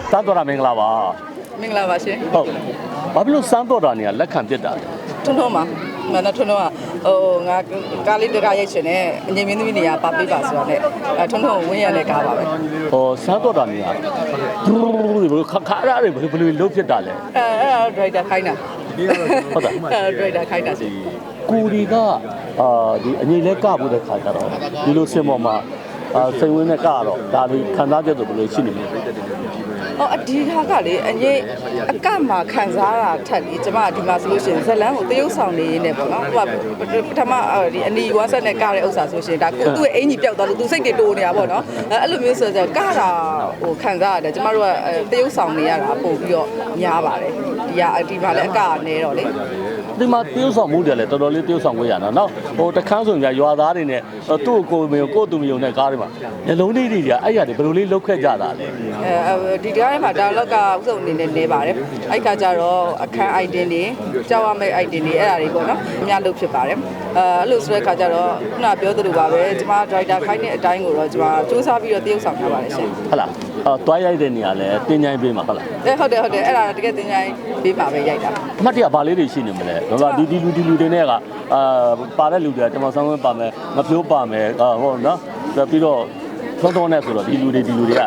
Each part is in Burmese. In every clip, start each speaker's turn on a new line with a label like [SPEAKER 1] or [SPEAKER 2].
[SPEAKER 1] စမ်းတော်တာမင်္ဂလာပါ
[SPEAKER 2] မင်္ဂလာပါရှင်
[SPEAKER 1] ဟုတ်ဘာဖြစ်လို့စမ်းတော်တာနေရလက်ခံပြစ်တာ
[SPEAKER 2] ထွန်းထွန်းပါမနက်ထွန်းထွန်းကငါကားလေးတကားရိုက်ရှင်နဲ့အငြိမ်မင်းသမီးနေရာပါပေးပါဆိုတော့နဲ့ထွန်းထွန်းဝင်းရတဲ့ကားပါပဲ
[SPEAKER 1] စမ်းတော်တာနေရဒူးဘယ်ခါရတွေဘယ်လိုလုပ်ဖြစ်တာလဲ
[SPEAKER 2] ဒရိုက်တာခိုင်းတာ
[SPEAKER 1] ဟုတ်တာ
[SPEAKER 2] ဒရိုက်တာခိုင်းတာစီ
[SPEAKER 1] ကိုဒီကဒီအငြိမ်လဲကဖို့တဲ့ခါကြတော့ဒီလိုစင်ပေါ်မှာစိတ်ဝင်နဲ့ကတော့ဒါဒီခံစားချက်ဆိုဘယ်လိုရှိနေလဲ
[SPEAKER 2] အဒီကားကလေအငြိမ်အကမှာခံစားတာထက်လေကျမဒီမှာဆိုလို့ရှိရင်ဇလန်းကိုတရုပ်ဆောင်နေရင်းနဲ့ပေါ့နော်ပထမဒီအနီဝမ်းဆက်နဲ့ကတဲ့ဥစ္စာဆိုရှင်ဒါကိုသူ့ရဲ့အင်ကြီးပျောက်သွားလို့သူစိတ်တွေတိုးနေတာပေါ့နော်အဲ့လိုမျိုးဆိုတော့ကတာဟိုခံစားရတယ်ကျမတို့ကတရုပ်ဆောင်နေရတာပို့ပြီးတော့များပါတယ်ဒီမှာလည်းအကကနေတော့လေ
[SPEAKER 1] ဒီမှာတရုပ်ဆောင်မှုတယ်လေတော်တော်လေးတရုပ်ဆောင်ခွင့်ရတာနော်ဟိုတခန်းဆိုရင်ရွာသားတွေနဲ့သူ့ကိုကိုသူမယုံတဲ့ကားတွေမှာညလုံးလေးတွေကအဲ့ရတွေဘယ်လိုလေးလောက်ခဲ့ကြတာလဲ
[SPEAKER 2] ဒီကားထဲမှာဒါလောက်ကဥစုံအနေနဲ့နေပါတယ်အဲ့ခါကျတော့အခန်း item တွေကြောက်ရမယ့် item တွေအဲ့ဒါတွေပေါ့နော်အများလို့ဖြစ်ပါတယ်အဲ့လိုဆိုတဲ့ခါကျတော့ခုနပြောသလိုပါပဲကျမ driver ခိုင်းတဲ့အတိုင်းကိုတော့ကျမစူးစမ်းပြီးတော့တရုပ်ဆောင်ထားပါတယ်ရှင်
[SPEAKER 1] ဟုတ်လားတွားရိုက်တဲ့နေရာလဲတင်ချိုင်းပေးမှာဟုတ်လား
[SPEAKER 2] ဟုတ်တယ်အဲ့ဒါတကယ်တင်ချိုင်းပေးမှာပဲရိုက်တာ
[SPEAKER 1] အမှတ်တရဘာလေးတွေရှိနေမလဲဘာဒီလူတွေနဲ့ကပါတဲ့လူတွေကကျွန်တော်ဆောင်းဝင်းပါမယ်မဖြိုးပါမယ်ဟုတ်နော်ပြီးတော့ထုံးနဲ့ဆိုတော့ဒီလူတွေက
[SPEAKER 2] ဒီလူတွေ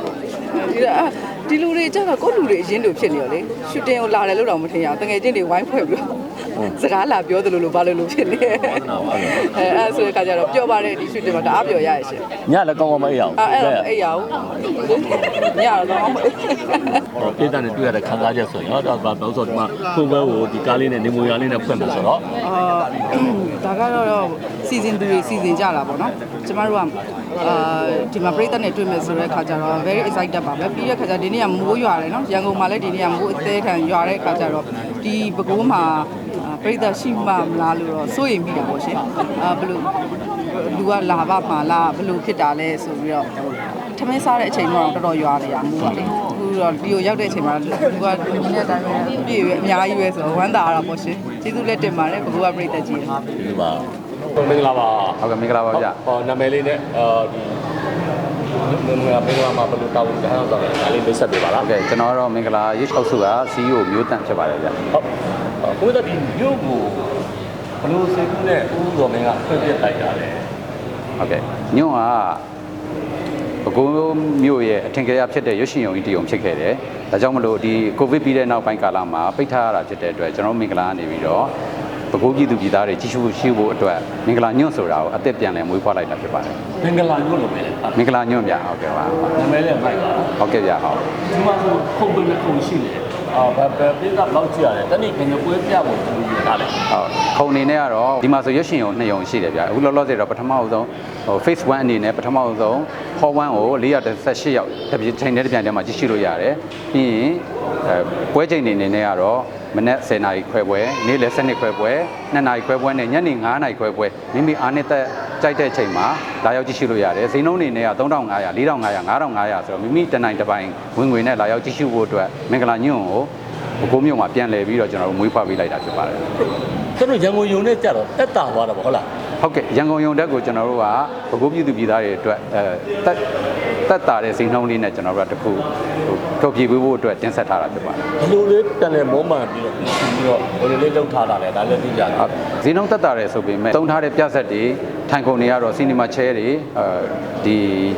[SPEAKER 2] ကျတော့ကိုယ့်လူတွေအရင်တို့ဖြစ်နေရောလေရှူတင်ကိုလာတယ်လို့တော့မထင်ရအောင်တကယ်ချင်းတွေဝိုင်းဖွဲ့ပြီးစကားလာပြောသလိုလိုဘာလို့ဖြစ်နေအဲ့ဆိုတဲ့ခါကျတော့ပျော်ပါတယ်ဒီရှူတင်မှာတအားပျော်ရရဲ့ရှင်
[SPEAKER 1] ညလည်းကောင်းကောင်းမအိပ်ရအောင်
[SPEAKER 2] အဲ့တော့အိပ်ရအောင်ညတော့ကောင်းမအိပ်
[SPEAKER 1] ပြည်သားနဲ့တွေ့ရတဲ့ခန်းစားချက်ဆိုရင်တော့ဘာလို့ဆိုတော့ဒီမှာဖွင့်ပွဲကိုဒီကားလေးနဲ့နေမွေရလေးနဲ့ဖွင့်မှာဆိုတော့
[SPEAKER 2] ဒါကတော့စီစဉ်သူတွေစီစဉ်ကြတာပေါ့နော်ကျမတို့ကဒီမှာပြည်သက်နဲ့တွေ့မယ်ဆိုတဲ့ခါကျတော့ very excited ပါပဲပြီးတဲ့ခါကျဒီနေ့ကမိုးရွာတယ်နော်ရန်ကုန်မှာလည်းဒီနေ့ကမိုးအသေးခံရွာတဲ့ခါကျတော့ဒီပဲခူးမှာပြည်သက်ရှိမှမလားလို့တော့စိုးရိမ်မိတာပေါ့ရှင်ဘယ်လိုလူကလာပါမှာလားဘယ်လိုဖြစ်တာလဲဆိုပြီးတော့ထမင်းစားတဲ့အချိန်တော့တော်တော်ရွာနေရမိုးပါလေအခုတော့ဒီကိုရောက်တဲ့အချိန်မှာလူကဒီနေ့အတိုင်းပဲပြည့်ရွယ်အများကြီးပဲဆိုတော့ဝမ်းသာရတာပေါ့ရှင်ကျေးဇူးလက်တင်ပါတယ်ဘယ်ကပြည်သက်ကြီး
[SPEAKER 1] ဟုတ်ပါမင်္ဂလာပါ
[SPEAKER 3] ဟုတ်ကဲ့မင်္ဂလာပါဗျ
[SPEAKER 1] နာမည်လေးနဲ့ဒီမင်္ဂလာမှာဘယ်လိုတောင်းကြအောင်ဆိုတော့ဒါလေးမိတ်ဆက်ပေးပါလား
[SPEAKER 3] ဟုတ်ကဲ့ကျွန်တော်ကတော့မင်္ဂလာရေး6စုက CEO မျိုးတန့်ဖြစ်ပါတယ်ဗျ
[SPEAKER 1] ဟုတ်ကိုယ်တို့ဒီမျိုးကိုဘယ်လိုစိတ်ကူးနဲ့ဦးတော်မင်းကဖွင့်ပြလိုက်တာလဲ
[SPEAKER 3] ဟုတ်ကဲ့ညွန့်ကပဲခူးမြို့ရဲ့အထင်ကရဖြစ်တဲ့ရွှေရှင်ယုံကြီးတယုံဖြစ်ခဲ့တယ်ဒါကြောင့်မလို့ဒီကိုဗစ်ပြီးတဲ့နောက်ပိုင်းကာလမှာပိတ်ထားရတာဖြစ်တဲ့အတွက်ကျွန်တော်မင်္ဂလာကနေပြီးတော့ပဲခူးပြည်သူပြည်သားတွေကြီးစုရှိဖို့အတွက်မင်္ဂလာညွန့်ဆိုတာကိုအသက်ပြန်လည်မွေးဖွားလိုက်တာဖြစ်ပါတယ်
[SPEAKER 1] မင်္ဂလာညွန့်လို့ပဲ
[SPEAKER 3] မင်္ဂလာညွန့်ဗျဟုတ်ကဲ့ပါ
[SPEAKER 1] နာမည်လေးမိုက်ပါ
[SPEAKER 3] ဟုတ်ကဲ့ဗျဟုတ်
[SPEAKER 1] ဒီမှာဆိုခုံပင်ခုံရှိတယ်ပြည်ကလောက်ကြည့်ရတယ်တနည်းခင်ဗျပွဲပြဖို့သူယူထားတယ်
[SPEAKER 3] ဟုတ်ခုံအနေနဲ့ကတော့ဒီမှာဆိုရွှေရှင်ယုံ2ယုံရှိတယ်ဗျအခုလောလောဆယ်တော့ပထမအဆုံးphase 1အနေနဲ့ပထမအဆုံး hall 1ကို418ယောက်တစ်ပြိုင်ချိန်နဲ့တစ်ပြိုင်တည်းမှာကြည့်ရှုလို့ရတယ်ပြီးရင်ပွဲချိန်အနေနဲ့ကတော့မနက်10:00နာရီခွဲပွဲနေ့လယ်7:00ခွဲပွဲ2:00နာရီခွဲပွဲနဲ့ညနေ9:00နာရီခွဲပွဲမိမိအားနဲ့တက်ကြိုက်တဲ့ချိန်မှာလာရောက်ကြည့်ရှုလို့ရတယ်ဈေးနှုန်းအနေနဲ့က3500 4500 5500ဆိုတော့မိမိတနိုင်တစ်ပိုင်းဝင်ငွေနဲ့လာရောက်ကြည့်ရှုဖို့အတွက်မင်္ဂလာညွန့်ကိုပဲခူးမြို့မှာပြန်လည်ပြီးတော့ကျွန်တော်တို့မွေးဖွားပေးလိုက်တာဖြစ်ပါတယ်
[SPEAKER 1] ကျွန်တော်ရန်ကုန်ယုံနဲ့ကြတော့တက်တာသွားတာပေါ့ဟုတ်လား
[SPEAKER 3] ဟုတ်ကဲ့ရန်ကုန်ယုံတက်ကိုကျွန်တော်တို့ကပဲခူးပြည်သူပြည်သားတွေအတွက်တက်တာတဲ့ဈေးနှုန်းလေးနဲ့ကျွန်တော်တို့ကတခုထုတ်ပြပေးဖို့အတွက်တင်ဆက်ထားတာဖြစ်ပါတယ်
[SPEAKER 1] ဘယ်လိုလေးပြန်လည်မောမှန်ပြီးတော့ဘယ်လိုလေးလုပ်ထားတာလဲဒါလည်းသိကြတယ်
[SPEAKER 3] ဈေးနှုန်းတက်တာတယ်ဆိုပေမဲ့သုံးထားတဲ့ပြဆက်တွေထိုင်ကုန်တွေကတော့ cinema chair တွေဒီ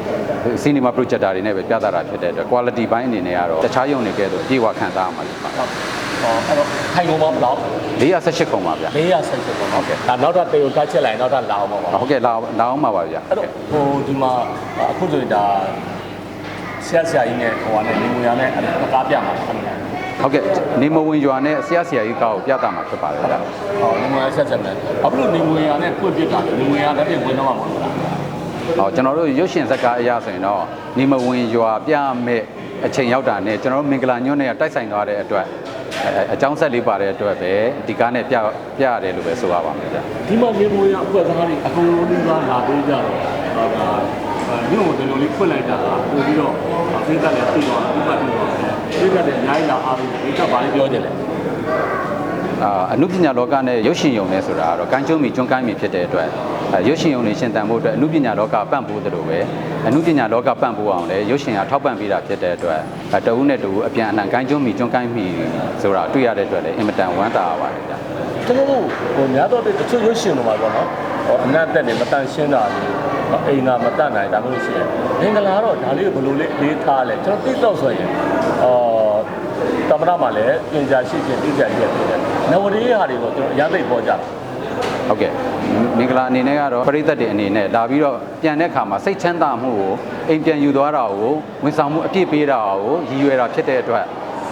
[SPEAKER 3] cinema projector တွေနဲ့ပဲပြသတာဖြစ်တဲ့အတွက် quality ဘိုင်းအနေနဲ့ကတော့တခြားယုံတွေကဲဆိုပြေဝခံစားရမှာဖြစ်ပါတယ်
[SPEAKER 1] အဲ့တော့ထိုင်ကုန်မှာဘယ်လောက်
[SPEAKER 3] 418ခုပါဗျာ
[SPEAKER 1] 418ခုဟုတ်ကဲ့ဒါနောက်တော့တေကိုတက်ချက်လိုက်နောက်တော့လာအောင်ပါ
[SPEAKER 3] ဟုတ်ကဲ့လာအောင်ပါဗျာ
[SPEAKER 1] အဲ့တော့ဟိုဒီမှာအခုဆိုရင်ဒါဆရာကြီးနဲ့ဟိုကနေနေမွေရနဲ့ကားပြမှာ
[SPEAKER 3] ဟုတ်ကဲ့နေမဝင်ရွာနဲ့ဆရာကြီးကားကိုပြတာမှာဖြစ်ပါတယ်ဗျာ
[SPEAKER 1] နေမွေရဆက်ဆက်မယ်ဘာဖြစ်လို့နေမွေရနဲ့ပွင့်ပြတာလဲနေမွေရလက်ပြင်ဝင်တော့မှာမဟုတ်လား
[SPEAKER 3] ကျွန်တော်တို့ရွှေရှင်ဇက်ကားအရာဆိုရင်တော့နေမဝင်ရွာပြမဲ့အချိန်ရောက်တာနဲ့ကျွန်တော်တို့မင်္ဂလာညွန့်နဲ့တိုက်ဆိုင်သွားတဲ့အတွက်အကြောင်းဆက်လေးပါတဲ့အတွက်ပဲဒီကားနဲ့ပြရတယ်လို့ပဲဆိုရပါမယ်ဗျာ
[SPEAKER 1] ဒီမှာနေမွေရအဖွဲ့သားတွေအကုန်လုံးကလာပေးကြတော့ညို့ဒီလိုလေးဖွင့်လိုက်တာပို့ပြီးတော့ပြည်သက်လည်းသိသွားတယ်ဥပဒေတော့ပြည်သက်လည်းအများကြီးလာအားပြီးဒီကဘာလေးပြောကြလဲ
[SPEAKER 3] အနုပညာလောကနဲ့ရုပ်ရှင်ယုံနဲ့ဆိုတာကတော့ကမ်းကျုံးမီကျွန်းကိုင်းမီဖြစ်တဲ့အတွက်ရုပ်ရှင်ရုံတွေရှင်သန်ဖို့အတွက်အမှုပညာလောကပံ့ပိုးသလိုပဲအမှုပညာလောကပံ့ပိုးအောင်လည်းရုပ်ရှင်ကထောက်ပံ့ပေးတာဖြစ်တဲ့အတွက်တဦးနဲ့တဦးအပြန်အလှန်ကိုင်းကျွန်းမိကျွန်းကိုင်းမိဆိုတာတွေ့ရတဲ့အတွက်လည်းအင်မတန်ဝမ်းသာရပါတယ်ဗျာ
[SPEAKER 1] ကျွန်တော်တို့ဟိုများတော့တချို့ရုပ်ရှင်တွေမှာပေါ့နော်အနတ်တက်နေမတန်ရှင်းတာလေအိမ်သာမတတ်နိုင်ဒါမျိုးရှိတယ်မင်္ဂလာတော့ဒါလေးကိုဘယ်လိုလေးထားလဲကျွန်တော်သိတော့ဆိုရင်တမရမှာလည်းပြင်ကြရှိချင်းသိကြရဖြစ်တယ်နဝရီဟာတွေကိုကျွန်တော်အရသိပေါ်ကြ
[SPEAKER 3] ဟုတ်ကဲ့မင်္ဂလာအနေနဲ့ကတော့ပရိသတ်တွေအနေနဲ့လာပြီးတော့ပြန်တဲ့အခါမှာစိတ်ချမ်းသာမှုကိုအိမ်ပြန်ယူသွားတာကိုဝန်ဆောင်မှုအပြည့်ပေးတာကိုရည်ရွယ်တာဖြစ်တဲ့အတွက်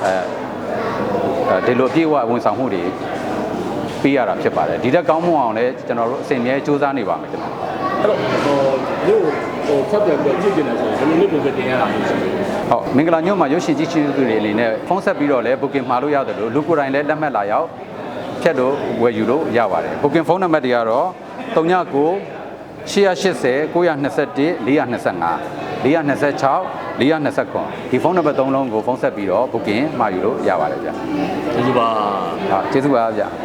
[SPEAKER 3] ဒီလိုအပြည့်အဝဝန်ဆောင်မှုတွေပေးရတာဖြစ်ပါတယ်ဒီတက်ကောင်းမှုအောင်လည်းကျွန်တော်တို့အစဉ်အမြဲစူးစမ်းနေပါမယ်ကျွန်တော်
[SPEAKER 1] အဲ့တော့မြို့ဆက်ပြန်ကြည့်ကြတယ်ဆိုရင်ဘယ်လိုလုပ်ပုံတင်ရတာမျိုးရှိလဲ
[SPEAKER 3] ဟုတ်မင်္ဂလာညမှာရုပ်ရှင်ကြည့်ရှုသူတွေအနေနဲ့ဖုန်းဆက်ပြီးတော့လည်း booking မှာလို့ရတယ်လို့လူကိုယ်တိုင်လည်းလက်မှတ်လာရောက်ဖြတ်လို့ဝယ်ယူလို့ရပါတယ် booking ဖုန်းနံပါတ်တွေကတော့39 880 921 425 426 429ဒီဖုန်းနံပါတ်3လုံးကိုဖုန်းဆက်ပြီးတော့ booking မှာယူလို့ရပါတယ်ဗျာ
[SPEAKER 1] ကျေးဇူးပါ
[SPEAKER 3] ဟုတ်ကျေးဇူးပါဗျာ